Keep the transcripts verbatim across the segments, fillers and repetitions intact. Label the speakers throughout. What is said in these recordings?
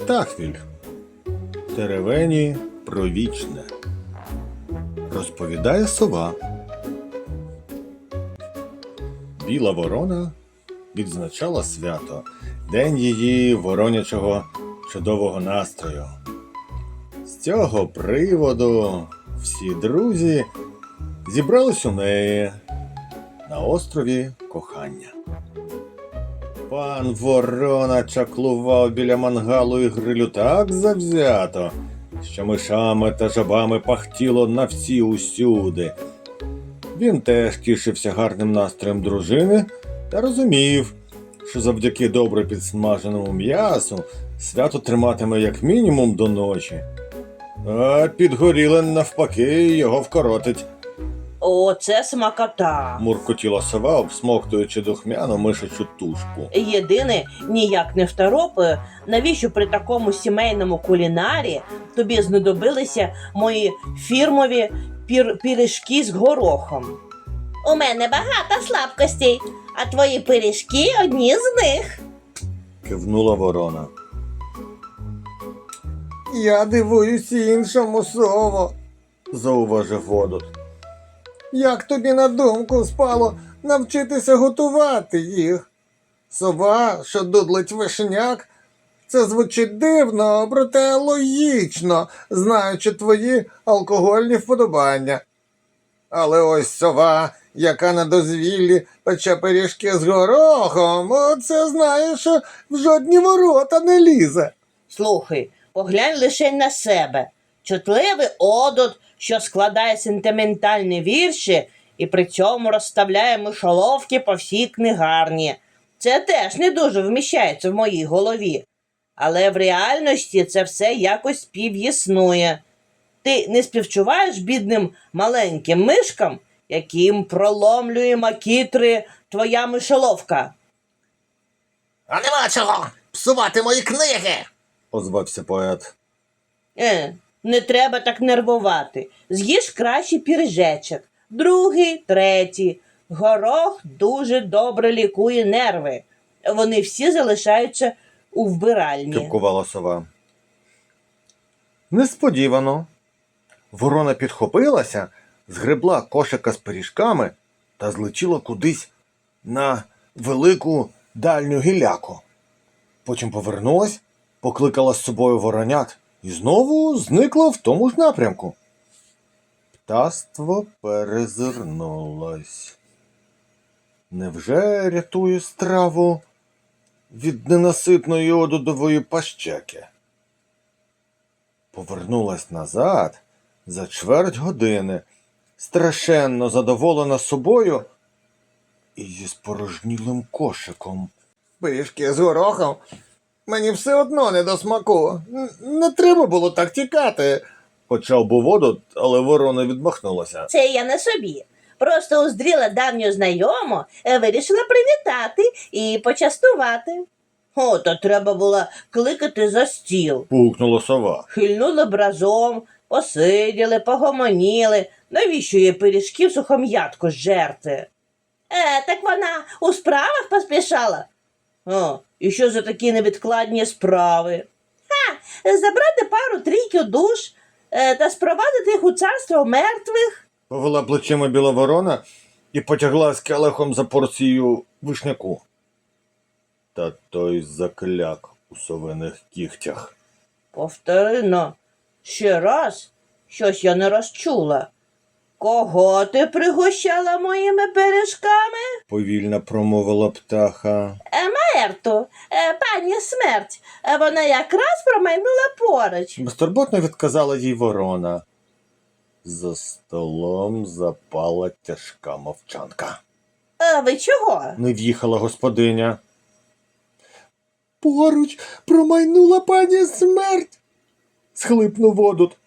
Speaker 1: Птахвіль. Теревені про вічне. Розповідає сова. Біла ворона відзначала свято, день її воронячого чудового настрою. З цього приводу всі друзі зібрались у неї на острові Кохання. Пан Ворона чаклував біля мангалу і грилю так завзято, що мишами та жабами пахтіло на всі усюди. Він теж тішився гарним настроєм дружини та розумів, що завдяки добре підсмаженому м'ясу свято триматиме як мінімум до ночі. А підгоріле навпаки його вкоротить.
Speaker 2: О, це смакота.
Speaker 1: Муркотіла сова, обсмоктуючи духмяну мишачу тушку.
Speaker 2: Єдине, ніяк не второпаю, навіщо при такому сімейному кулінарі тобі знадобилися мої фірмові пір... пиріжки з горохом? У мене багато слабкостей, а твої пиріжки одні з них.
Speaker 1: Кивнула ворона.
Speaker 3: Я дивуюсь іншому, сово,
Speaker 1: Зауважив Водот.
Speaker 3: як тобі на думку спало навчитися готувати їх? Сова, що дудлить вишняк, це звучить дивно, проте логічно, знаючи твої алкогольні вподобання. Але ось сова, яка на дозвіллі пече пиріжки з горохом, оце знає, що в жодні ворота не лізе.
Speaker 2: Слухай, поглянь лише на себе. Чутливий одот, що складає сентиментальні вірші і при цьому розставляє мишоловки по всій книгарні. Це теж не дуже вміщається в моїй голові. Але в реальності це все якось співіснує. Ти не співчуваєш бідним маленьким мишкам, яким проломлює макітри твоя мишоловка?
Speaker 3: А нема чого псувати мої книги.
Speaker 1: Озвався поет.
Speaker 2: Е, не треба так нервувати. З'їж краще піржечок. Другий, третій. Горох дуже добре лікує нерви. Вони всі залишаються у вбиральні.
Speaker 1: Кипкувала сова. Несподівано. Ворона підхопилася, згребла кошика з пиріжками та злетіла кудись на велику дальню гіляку. Потім повернулась, покликала з собою воронят і знову зникла в тому ж напрямку. Птаство перезирнулось. Невже рятує страву від ненаситної одудової пащеки? Повернулась назад за чверть години, страшенно задоволена собою і зі спорожнілим кошиком.
Speaker 3: Пиріжки з горохом? Мені все одно не до смаку. Н- Не треба було так тікати.
Speaker 1: Почав був Водот, але ворона відмахнулася.
Speaker 2: Це я не собі. Просто уздріла давню знайому, е, вирішила привітати і почастувати. О, то треба було кликати за стіл.
Speaker 1: Пукнула сова.
Speaker 2: Хильнули б разом, посиділи, погомоніли. Навіщо їй пиріжків сухом'ятку жерти? Е, так вона у справах поспішала. О, і що за такі невідкладні справи? Ха, забрати пару трійки душ е, та спровадити їх у царство мертвих.
Speaker 1: Повела плечима біла ворона і потягла з келихом за порцію вишняку. Та той закляк у совиних кігтях.
Speaker 2: Повторино, ще раз, щось я не розчула. Кого ти пригощала моїми пиріжками?
Speaker 1: Повільно промовила птаха.
Speaker 2: Мерту, е, пані смерть, е, вона якраз промайнула поруч.
Speaker 1: Безтурботно відказала їй ворона. За столом запала тяжка мовчанка.
Speaker 2: А ви чого?
Speaker 1: Не в'їхала господиня.
Speaker 3: Поруч промайнула пані смерть, схлипнув Водот.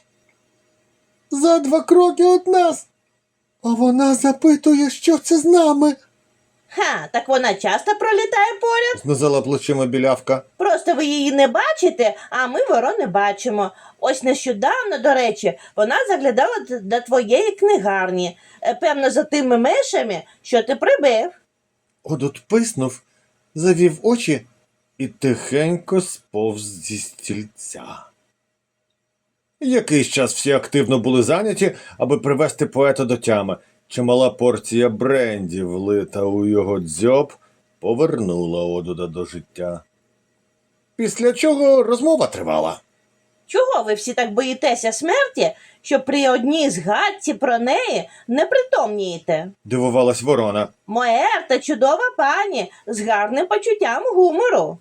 Speaker 3: За два кроки від нас. А вона запитує, що це з нами.
Speaker 2: Ха, так вона часто пролітає поряд.
Speaker 1: Знизала плечима білявка.
Speaker 2: Просто ви її не бачите, а ми ворони бачимо. Ось нещодавно, до речі, вона заглядала д- до твоєї книгарні. Е, Певно, за тими мишами, що ти прибив.
Speaker 1: Одот писнув, завів очі і тихенько сповз зі стільця. Якийсь час всі активно були зайняті, аби привести поета до тями. Чимала порція бренді, влита у його дзьоб, повернула Одуда до життя. Після чого розмова тривала.
Speaker 2: Чого ви всі так боїтеся смерті, що при одній згадці про неї не притомнієте?
Speaker 1: Дивувалась ворона.
Speaker 2: Моерта чудова пані з гарним почуттям гумору.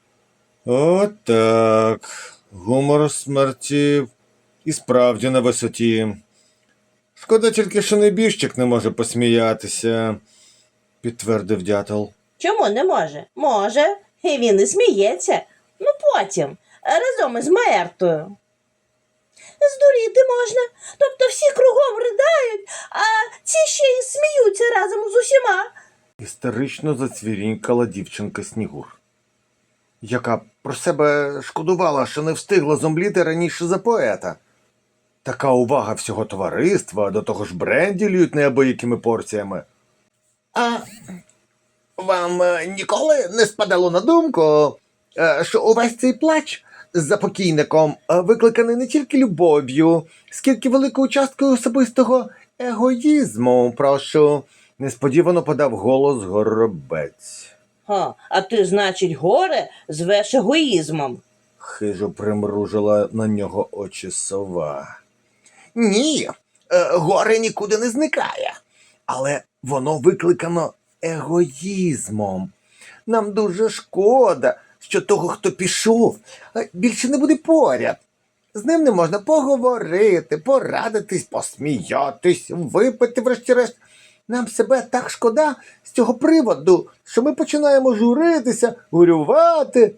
Speaker 1: Отак. Гумор смерті і справді на висоті. Шкода тільки, що небіжчик не може посміятися, підтвердив дятел.
Speaker 2: Чому не може? Може. І він і сміється. Ну потім, разом із Моертою. Здуріти можна. Тобто всі кругом придають, а ці ще й сміються разом з усіма.
Speaker 1: Істерично зацвірінькала дівчинка Снігур, яка про себе шкодувала, що не встигла зомліти раніше за поета. Така увага всього товариства, до того ж бренді льють неабиякими порціями. А вам е, ніколи не спадало на думку, е, що увесь цей плач за покійником е, викликаний не тільки любов'ю, скільки великою часткою особистого егоїзму, прошу, несподівано подав голос Горобець.
Speaker 2: Ха, а ти, значить, горе звеш егоїзмом.
Speaker 1: Хижо примружила на нього очі сова. Ні, е, горе нікуди не зникає, але воно викликано егоїзмом. Нам дуже шкода, що того, хто пішов, е, більше не буде поряд. З ним не можна поговорити, порадитись, посміятись, випити врешті-решт. Нам себе так шкода з цього приводу, що ми починаємо журитися, горювати.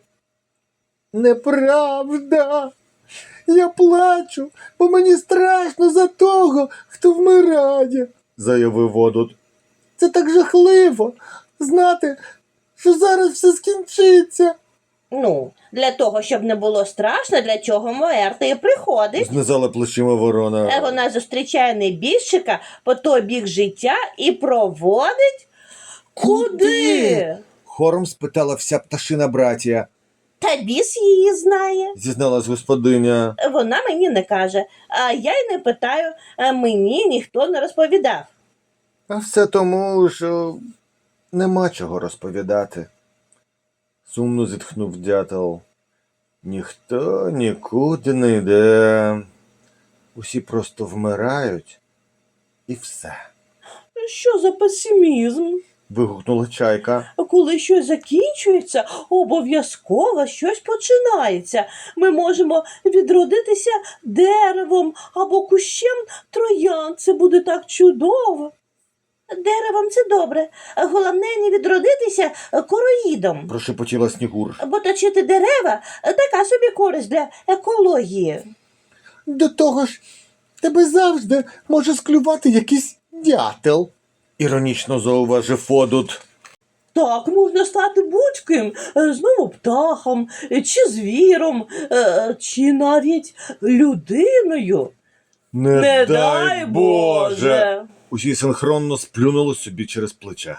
Speaker 1: Неправда. Я плачу, бо мені страшно за того, хто вмирає, заявив Одуд. Це так жахливо знати, що зараз все скінчиться.
Speaker 2: Ну, для того, щоб не було страшно, для чого Моерта і приходить.
Speaker 1: Знизала плечима
Speaker 2: Е,
Speaker 1: ворона.
Speaker 2: Вона зустрічає небіжчика по той бік життя і проводить... Куди?
Speaker 1: Хором спитала вся пташина братія,
Speaker 2: Та біс її знає.
Speaker 1: зізналась господиня.
Speaker 2: Вона мені не каже, а я й не питаю, а мені ніхто не розповідав.
Speaker 1: А все тому, що нема чого розповідати. Сумно зітхнув дятел. Ніхто нікуди не йде. Усі просто вмирають. І все.
Speaker 2: Що за песимізм?
Speaker 1: Вигукнула чайка.
Speaker 2: Коли щось закінчується, обов'язково щось починається. Ми можемо відродитися деревом або кущем троянд. Це буде так чудово. Деревом це добре. Головне не відродитися короїдом.
Speaker 1: Прошепотіла Снігур.
Speaker 2: Бо точити дерева така собі користь для екології.
Speaker 3: До того ж, тебе завжди може склювати якийсь дятел.
Speaker 1: Іронічно зауважив Одуд.
Speaker 2: Так можна стати будь-ким, е, знову птахом, е, чи звіром, е, чи навіть людиною.
Speaker 1: Не,
Speaker 2: Боже!
Speaker 1: Усі синхронно сплюнули собі через плече.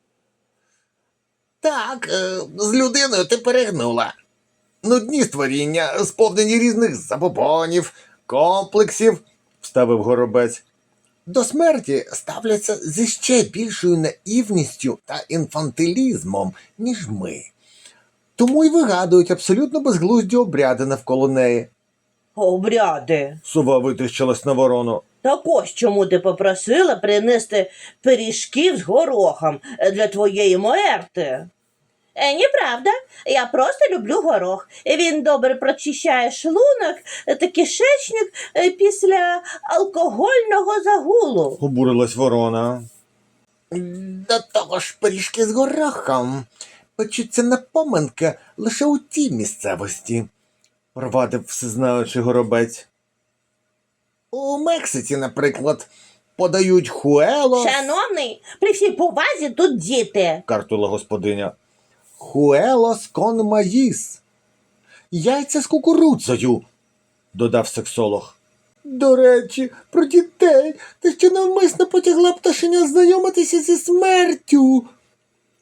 Speaker 3: Так, е, з людиною ти перегнула.
Speaker 1: Нудні створіння, сповнені різних забобонів, комплексів, вставив Горобець.
Speaker 3: До смерті ставляться зі ще більшою наївністю та інфантилізмом, ніж ми. Тому й вигадують абсолютно безглузді обряди навколо неї.
Speaker 2: Обряди.
Speaker 1: Сова витріщилась на ворону.
Speaker 2: Так ось чому ти попросила принести пиріжків з горохом для твоєї Моерти. Е, неправда, я просто люблю горох. Він добре прочищає шлунок та кишечник е, після алкогольного загулу.
Speaker 1: Обурилась ворона.
Speaker 3: До того ж, пиріжки з горохом печуться на поминки лише у тій місцевості.
Speaker 1: Провадив всезнаючий Горобець.
Speaker 3: У Мексиці, наприклад, подають хуелос,
Speaker 2: Шановний, при всій повазі тут діти.
Speaker 1: Картула господиня.
Speaker 3: хуелос кон маїс. Яйця з кукурудзою.
Speaker 1: Додав сексолог.
Speaker 3: До речі, про дітей. Ти ще навмисно потягла пташеня знайомитися зі смертю.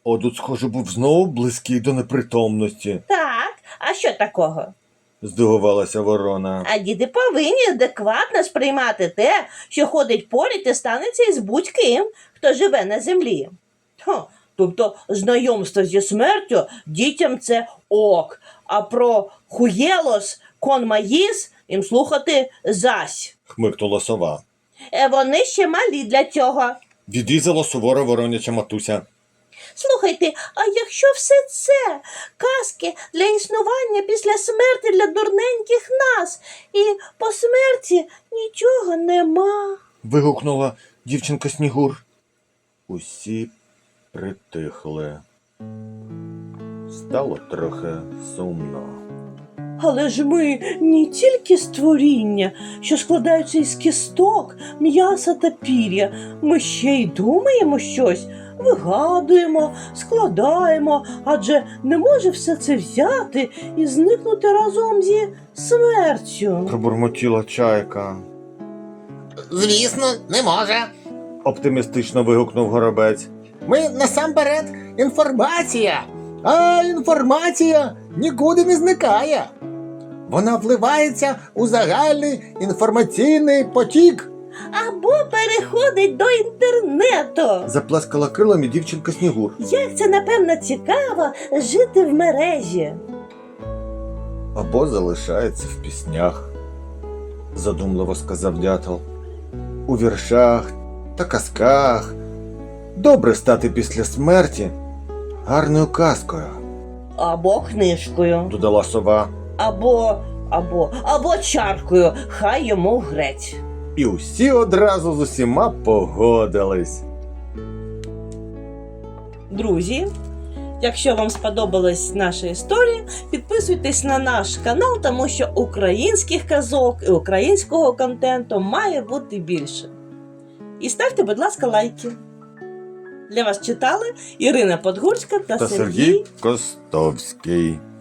Speaker 1: Одут, схоже, був знову близький до непритомності,
Speaker 2: Так, а що такого?
Speaker 1: здивувалася ворона.
Speaker 2: А діти повинні адекватно сприймати те, що ходить поряд і станеться із будь-ким, хто живе на землі. Хо, тобто знайомство зі смертю дітям це ок, а про хуєлос, конмаїс їм слухати зась.
Speaker 1: Хмикнула сова.
Speaker 2: Е, Вони ще малі для цього.
Speaker 1: Відрізала суворо вороняча матуся.
Speaker 2: Слухайте, а якщо все це казки для існування після смерті для дурненьких нас, і по смерті нічого нема.
Speaker 1: Вигукнула дівчинка Снігур. Усі притихли. Стало трохи сумно.
Speaker 2: Але ж ми не тільки створіння, що складаються із кісток, м'яса та пір'я. Ми ще й думаємо щось, вигадуємо, складаємо, адже не може все це взяти і зникнути разом зі смертю.
Speaker 1: Пробурмотіла чайка.
Speaker 3: Звісно, не може.
Speaker 1: Оптимістично вигукнув горобець.
Speaker 3: Ми насамперед інформація, а інформація нікуди не зникає. Вона вливається у загальний інформаційний потік.
Speaker 2: Або переходить до інтернету.
Speaker 1: Заплескала крилами дівчинка Снігур.
Speaker 2: Як це, напевно, цікаво жити в мережі.
Speaker 1: Або залишається в піснях, задумливо сказав дятел. У віршах та казках. Добре стати після смерті гарною казкою,
Speaker 2: Або книжкою.
Speaker 1: додала сова.
Speaker 2: Або, або, або чаркою. Хай йому греть.
Speaker 1: І усі одразу з усіма погодились.
Speaker 2: Друзі, якщо вам сподобалась наша історія, підписуйтесь на наш канал, тому що українських казок і українського контенту має бути більше. І ставте, будь ласка, лайки. Для вас читали Ірина Подгурська та,
Speaker 1: Та
Speaker 2: Сергій
Speaker 1: Сергій Костовський.